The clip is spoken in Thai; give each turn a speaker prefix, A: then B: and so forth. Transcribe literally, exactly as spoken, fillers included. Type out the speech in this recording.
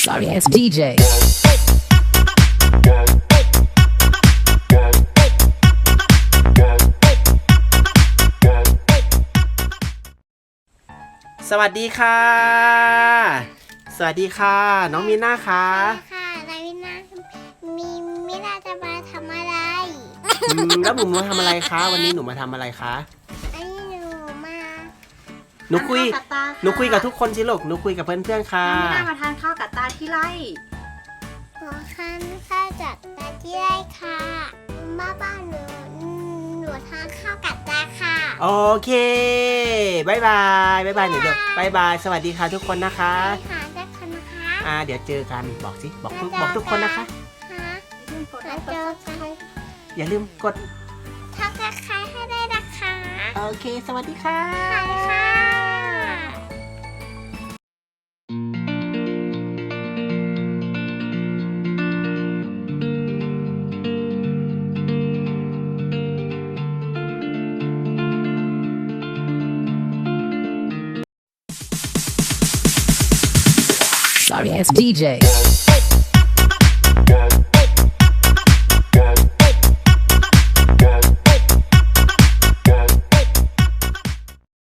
A: Sorry ass ดี เจ
B: สวัสดีค่ะ สวัสดีค่ะ น้องมีน่าค่ะ
C: ค่ะนายวินามีมินาจะมาทำอะไร
B: อืมแล้วหนูมาทำอะไรคะวันนี้หนูมาทำอะไรคะ
C: อันนี้หนูมา
B: หนูคุย
D: ทานข้าวกับตาค่ะ
B: หนูคุยกับทุกคนสิลูกหนูคุยกับเพื่อนๆค่ะ
D: น้องมีน่ามาทานข้าวกับตาที่ไร่
C: ขอคันข้าวจากตาที่ไร่ค่ะบ้าบ้านหนูหนูทานข้าวกับตาค่ะ
B: โอเคบายบายบายบายหนูเดี๋ยวบายบายสวัสดีค่ะทุกคนนะคะ
C: ไปหาเจ้าคนนะคะ
B: อ่าเดี๋ยวเจอกันบอกสิบอกทุกบอกทุกคนนะคะ
C: ฮะมาเจอกัน
B: อย่าลืมกด
C: ทักทายให้ได้นะคะ
B: โอเค สวัสดีค่ะ
C: ค่ะ
A: Sorry ass ดี เจ